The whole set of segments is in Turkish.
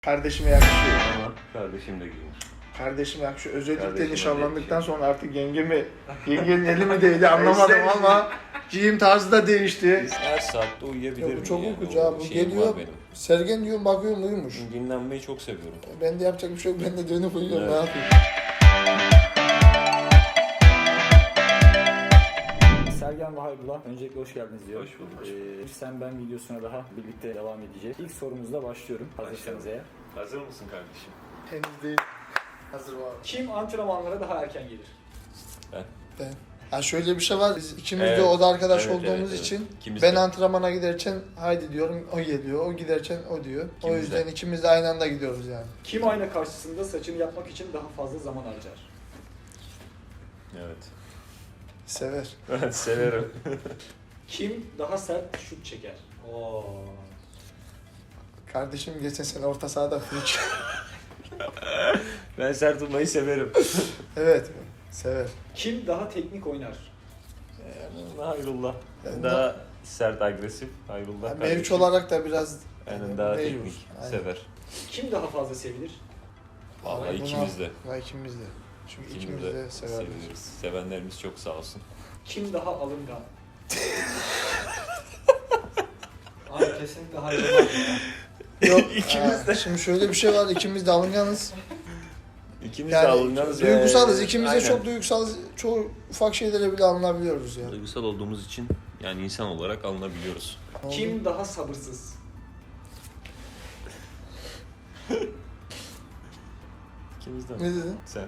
Kardeşime yakışıyor. Ama kardeşim de giymiş. Kardeşime yakışıyor. Özellikle Kardeşime nişanlandıktan sonra artık yengenin eli mi değdi anlamadım ama giyim tarzı da değişti. Her saatte uyuyabilirim. Ya bu çok yani. uykucu O abi. Bu şeyim geliyor. var benim. Sergen diyor bakıyorum uyumuş. Dinlenmeyi çok seviyorum. Ben de yapacak bir şey yok. Ben de dönüp uyuyorum. Evet. Ne yapayım? Sergen ve Hayrullah, öncelikle hoş geldiniz diyor. Hoş bulduk. Sen ben videosuna daha birlikte devam edeceğiz. İlk sorumuzla başlıyorum. Hazırsanız eğer. Hazır mısın kardeşim? Henüz değil. Hazır var. Kim antrenmanlara daha erken gelir? Ben. Ha şöyle bir şey var. Biz ikimiz de Evet. oda arkadaş Evet, olduğumuz evet. için İkimiz ben de. antrenmana giderken haydi diyorum o geliyor. O giderken o diyor. O İkimiz yüzden de. ikimiz de aynı anda gidiyoruz yani. Kim ayna karşısında saçını yapmak için daha fazla zaman harcar? Evet. Sever. Ben severim. Kim daha sert şut çeker? Oo. Kardeşim geçen sene orta sahada fırç. Ben sert tutmayı severim. Evet. Sever. Kim daha teknik oynar? Hayrullah. Yani Daha sert, agresif. Hayrullah Yani kardeşim. mevcut olarak da biraz Aynen, daha mevcut. teknik. Aynen. Sever. Kim daha fazla sevilir? Vallahi Buna- ikimiz de. Ha, ikimiz de. Çünkü ikimiz İkimiz de de severiz. seviyoruz. Sevenlerimiz çok sağ olsun. Kim daha alıngan? Abi kesinlikle Hayrullah ya. Yok. İkimiz de. Şimdi şöyle bir şey var. İkimiz de alınganız. İkimiz de Yani alınganız. duygusalız. İkimiz de Aynen. çok duygusalız. Çoğu ufak şeylere bile alınabiliyoruz ya. Duygusal olduğumuz için yani insan olarak alınabiliyoruz. Kim daha sabırsız? İkimiz de. Ne dedin? Sen.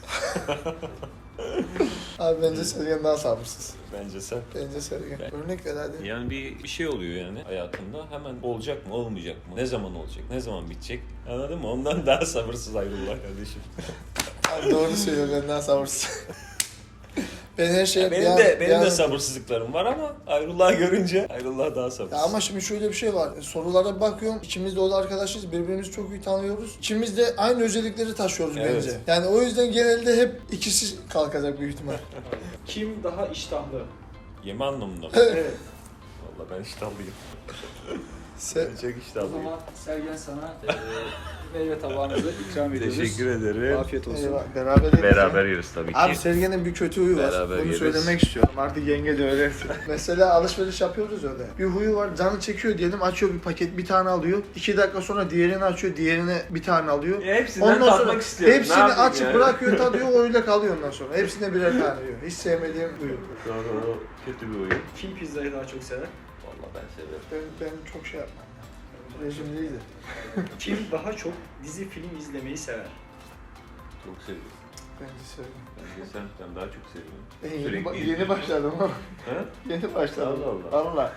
Abi bence Sergen daha sabırsız. Bence sen. Bence Sergen. Ben- Örnek ver hadi. Yani bir şey oluyor yani hayatında. Hemen olacak mı, olmayacak mı? Ne zaman olacak? Ne zaman bitecek? Anladın mı? Ondan daha sabırsız ayrılırlar kardeşim. Abi doğru söylüyor, ben daha sabırsız. Ben her şeye Benim de sabırsızlıklarım var ama Ayrullah'ı görünce Ayrullah daha sabırsız. Ya ama şimdi şöyle bir şey var. Sorulara bakıyorum. İkimiz de o da arkadaşız. Birbirimizi çok iyi tanıyoruz. İkimiz de aynı özellikleri taşıyoruz Evet. bence. Yani o yüzden genelde hep ikisi kalkacak büyük ihtimal. Kim daha iştahlı? Yeme anlamında mı? Evet. Valla ben iştahlıyım. Se Ben çok O iştahlıyım. zaman Sergen sana meyve tabağınızı ikram ediyoruz. Teşekkür ederim. Afiyet olsun. Eyvah, beraber yedik Beraber ya. yeriz tabii ki. Abi Sergen'in bir kötü huyu var. Beraber Bunu yeriz. söylemek istiyorum. Artık yenge de öğrensin. Mesela alışveriş yapıyoruz öyle. Bir huyu var. Canı çekiyor diyelim. Açıyor bir paket, bir tane alıyor. 2 dakika sonra diğerini açıyor. Diğerine bir tane alıyor. Hepsinden tatmak istiyorum. hepsini açıp bırakıyor, tadıyor, öyle kalıyor ondan sonra. Hepsine birer tane yiyor. Hiç sevmediğim huyu. Doğru, kötü bir oyun. Kim pizzayı daha çok sever? Valla ben severim. Ben çok şey yapmam. Rejim değildi. Kim daha çok dizi film izlemeyi sever? Çok seviyorum. Bence sevdim. Ben daha çok seviyorum. Yeni başladım ama. Ha? Yeni başladım. Allah Allah. Allah.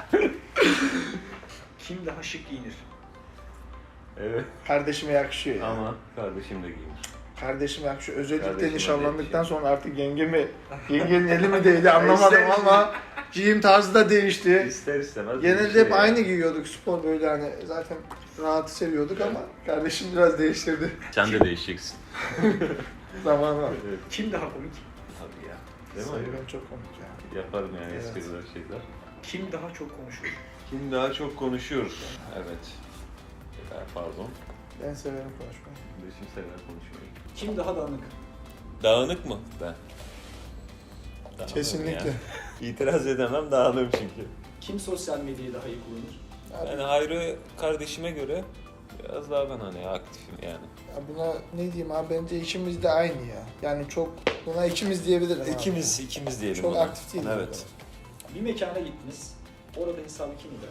Kim daha şık giyinir? Evet. Kardeşime yakışıyor ya. Ama kardeşim de giymiş. Kardeşime yakışıyor. Özellikle Kardeşime nişanlandıktan yakışıyor. sonra artık yengenin eli mi değdi anlamadım ama giyim tarzı da değişti. İster istemez. Genelde bir şey hep aynı yani. giyiyorduk spor böyle hani zaten rahatı seviyorduk ama kardeşim biraz değiştirdi. Sen de değişeceksin. Zamanla. Evet. Kim daha komik? Tabii ya. Değil mi? Sergen çok komik ya. Yaparım yani Evet. espriler şeyler. Kim daha çok konuşur? Kim daha çok konuşuyor? Evet. Pardon. Ben severim konuşmayı. Kardeşim sever konuşuyor. Kim daha dağınık? Dağınık mı? Ben. Dağınığım Kesinlikle. ya. İtiraz edemem, dağınığım çünkü. Kim sosyal medyayı daha iyi kullanır? Abi, Yani Hayrı kardeşime göre biraz daha ben hani aktifim yani. ya buna ne diyeyim abi bence ikimiz de aynı ya. Yani çok buna ikimiz diyebilirim abi. İkimiz diyelim Çok ona. aktif değil. Evet. Bir mekana gittiniz. Orada hesabı kim öder?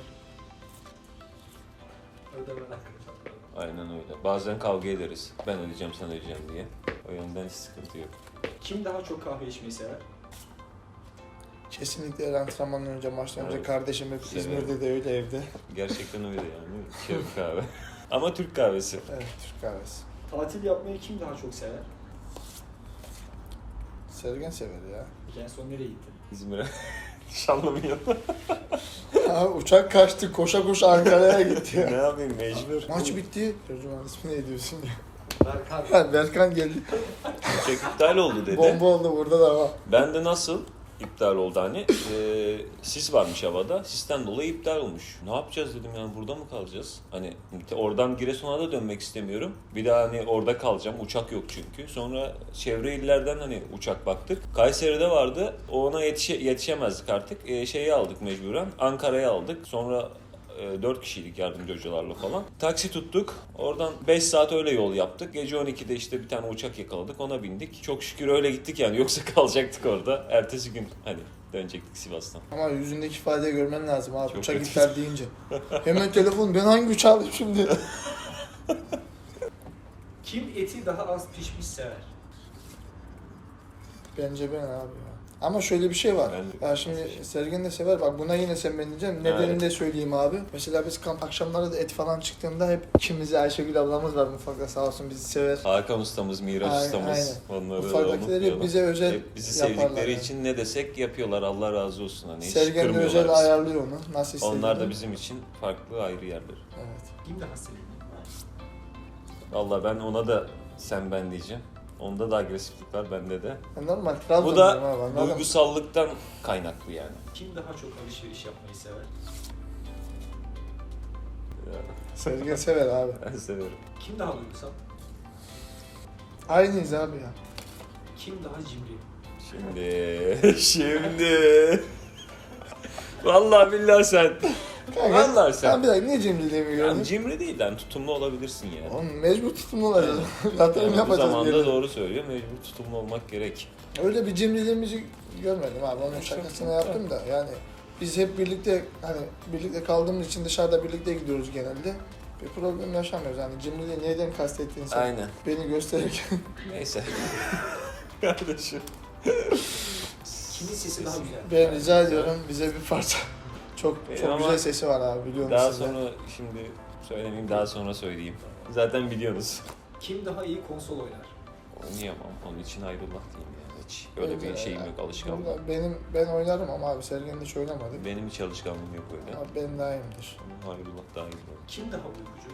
Aynen öyle. Bazen kavga ederiz. Ben ödeyeceğim, sen ödeyeceğim diye. O yönden hiç sıkıntı yok. Kim daha çok kahve içmeyi sever? Kesinlikle her antrenmandan önce maçtan önce Evet. kardeşim hep Severim. İzmir'de de öyle evde. Gerçekten öyle yani. Şef kahve. Ama Türk kahvesi. Evet Türk kahvesi. Tatil yapmayı kim daha çok sever? Sergen sever ya. Peki en son nereye gittin? İzmir'e. Nişanlımın yanına. Abi uçak kaçtı koşa koşa Ankara'ya gitti Ne ya. yapayım mecbur. Maç bitti. Tercüman ismi ne diyorsun ya? Berkan. Ha, Berkan geldi. Uçak iptal oldu dedi. Bomba oldu burada da ama. Ben de nasıl? iptal oldu hani. Sis varmış havada. Sisten dolayı iptal olmuş. Ne yapacağız dedim yani burada mı kalacağız? Hani oradan Giresun'a da dönmek istemiyorum. Bir daha hani orada kalacağım. Uçak yok çünkü. Sonra çevre illerden hani uçak baktık. Kayseri'de vardı. Ona yetişemezdik artık. Şeyi aldık mecburen. Ankara'ya aldık. Sonra 4 kişiydik yardımcı hocalarla falan. Taksi tuttuk. Oradan 5 saat öyle yol yaptık. Gece 12'de işte bir tane uçak yakaladık. Ona bindik. Çok şükür öyle gittik yani. Yoksa kalacaktık orada. Ertesi gün hani dönecektik Sivas'tan. Ama yüzündeki ifadeyi görmen lazım abi. Çok Uçak kötü. iptal deyince. Hemen telefon, ben hangi uçağı alayım şimdi? Kim eti daha az pişmiş sever? Bence ben abi ya. Ama şöyle bir şey var. Ben de- Ya şimdi Sergen de sever. Bak buna yine sen ben diyeceğim. Nedenini de söyleyeyim abi. Mesela biz kamp akşamları da et falan çıktığında hep ikimizi Ayşegül ablamız var mutfakta sağ olsun bizi sever. Hakan ustamız, Miraç Aynen, ustamız. Onları da Mutfaktakileri unutmayalım. bize özel Hep bizi yaparlar sevdikleri yani. için ne desek yapıyorlar. Allah razı olsun. Hani hiç Sergen de kırmıyorlar özel bizi. ayarlıyor onu. Nasıl istediğini. Onlar da bizim için farklı ayrı yerler. Evet. Kim daha sevimli? Vallahi ben ona da sen ben diyeceğim. Onda da agresiflik var bende de. Normal. Bu Trabzon'dayım da abi, anladın mı? duygusallıktan kaynaklı yani. Kim daha çok alışveriş yapmayı sever? Sergen sever abi. Ben severim. Kim daha duygusal? Aynıyız abi ya. Kim daha cimri? Şimdi. Vallahi billahi sen. Vallahi sen. Sen bir dakika niye cimriliğimi Yani gördün? cimri değil lan tutumlu olabilirsin yani. Oğlum mecbur tutumlu olacağız. Yatırım Yani bu yapacağız bir zamanda yere. doğru söylüyor. Mecbur tutumlu olmak gerek. Öyle bir cimriliğimizi görmedim abi. Onun şakasını yaptım da yani biz hep birlikte hani birlikte kaldığımız için dışarıda birlikte gidiyoruz genelde. Bir problem yaşamıyoruz. Yani cimriliği neyden kastettiğini sen Aynen. beni gösterirken. Neyse. Kardeşim. Kimin sesi daha güzel? Ben rica ediyorum bize bir parça. Çok Ama güzel sesi var abi biliyor Daha musun? sonra şimdi söylemeyeyim daha sonra söyleyeyim. Zaten biliyorsunuz. Kim daha iyi konsol oynar? Oynayamam. Onun için ayrılmak diyeyim yani. Hiç öyle bir şeyim yok alışkanlığım. Vallahi ben oynarım ama abi Sergen hiç oynamadı. Benim hiç alışkanlığım yok öyle. Ama ben daha iyiyimdir. Ayrılmak daha iyi. Kim daha uykucu?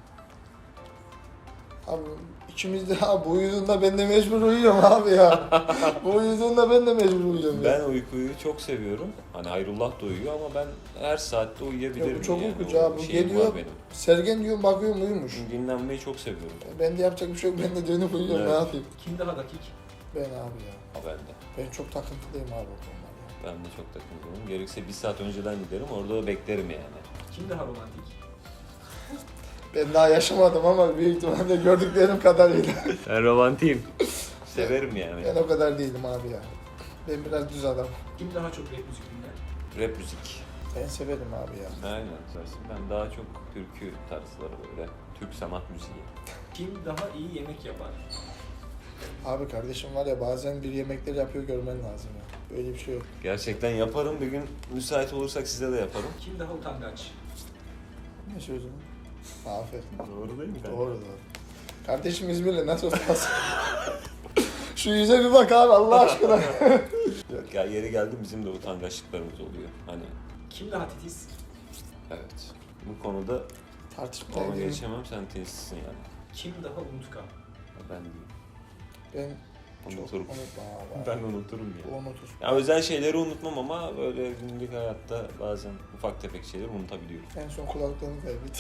Abi ikimiz de abi bu uyuduğunda ben de mecbur uyuyorum abi ya. Bu uyuduğunda ben de mecbur uyuyorum ya. Ben uykuyu çok seviyorum. Hani Hayrullah da uyuyor ama ben her saatte uyuyabilirim. Yok, çok yani. uykucu O abi. Bu şeyim geliyor. var benim. Sergen diyorum bakıyorum uyumuş. Dinlenmeyi çok seviyorum. Ben de yapacak bir şey yok. Ben de dönüp uyuyorum. Evet. Ne yapayım? Kim daha dakik? Ben abi ya. Ha, ben de. Ben çok takıntılıyım abi o konularda. Ben de çok takılıyorum. Gerekse bir saat önceden giderim. Orada da beklerim yani. Kim daha romantik? Ben daha yaşamadım ama büyük ihtimalle gördüklerim kadarıyla. Ben romantiyim. Severim yani. Ben o kadar değilim abi ya. Ben biraz düz adam. Kim daha çok rap müzik dinler? Rap müzik. Ben severim abi ya. Aynen. Ben daha çok türkü tarzları böyle. Türk sanat müziği. Kim daha iyi yemek yapar? Abi kardeşim var ya bazen bir yemekleri yapıyor görmen lazım ya. Böyle bir şey yok. Gerçekten yaparım. Bir gün müsait olursak size de yaparım. Kim daha utangaç? Ne sözü? Aferin. Doğru değil mi? Doğru doğru. Kardeşim İzmirli nasıl olmaz? Şu yüze bir bak abi Allah aşkına. Yok ya yeri geldi bizim de utangaçlıklarımız oluyor. Hani Kim daha titiz? evet. Bu konuda Tartışmaya ona gireyim. geçemem sen tesissin yani. Kim daha unutkan? Ben değilim. Ben çok Unuturum. unutmam abi. Ben unuturum ya. O unutur. Ya özel şeyleri unutmam ama böyle günlük hayatta bazen ufak tefek şeyleri unutabiliyorum. En son kulaklığını kaybetti.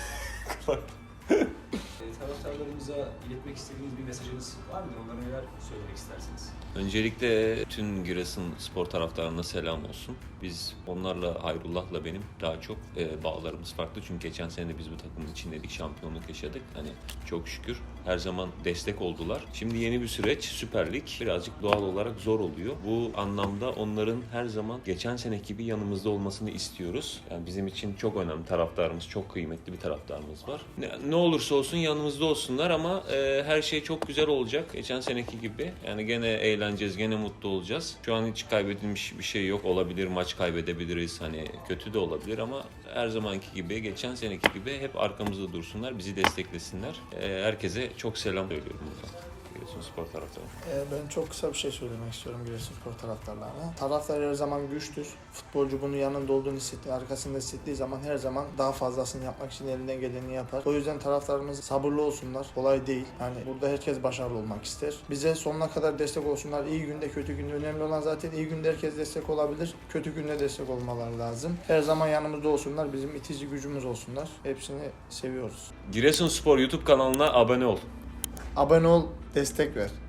Taraftarlarımıza iletmek istediğiniz bir mesajınız var mıdır? Onlara neler söylemek istersiniz? Öncelikle tüm Giresun spor taraftarına selam olsun. Biz onlarla, Hayrullah'la benim daha çok bağlarımız farklı. Çünkü geçen sene de biz bu takımın içindeydik, şampiyonluk yaşadık. Hani çok şükür her zaman destek oldular. Şimdi yeni bir süreç, Süper Lig birazcık doğal olarak zor oluyor. Bu anlamda onların her zaman geçen seneki gibi yanımızda olmasını istiyoruz. Yani bizim için çok önemli taraftarımız, çok kıymetli bir taraftarımız var. Ne olursa olsun yanımızda olsunlar ama her şey çok güzel olacak. Geçen seneki gibi. Yani gene eğleneceğiz, gene mutlu olacağız. Şu an hiç kaybedilmiş bir şey yok. Olabilir, maç kaybedebiliriz. Hani kötü de olabilir ama her zamanki gibi, geçen seneki gibi hep arkamızda dursunlar, bizi desteklesinler. Herkese çok selam söylüyorum buradan. Giresunspor taraftarı? Ben çok kısa bir şey söylemek istiyorum Giresunspor taraftarlarına. Taraftar her zaman güçtür. Futbolcu bunun yanında olduğunu hissettiği, arkasında hissettiği zaman her zaman daha fazlasını yapmak için elinden geleni yapar. O yüzden taraftarımız sabırlı olsunlar. Kolay değil. Yani burada herkes başarılı olmak ister. Bize sonuna kadar destek olsunlar. İyi günde, kötü günde. Önemli olan zaten iyi günde herkes destek olabilir. Kötü günde destek olmaları lazım. Her zaman yanımızda olsunlar. Bizim itici gücümüz olsunlar. Hepsini seviyoruz. Giresunspor YouTube kanalına abone ol. Abone ol, destek ver.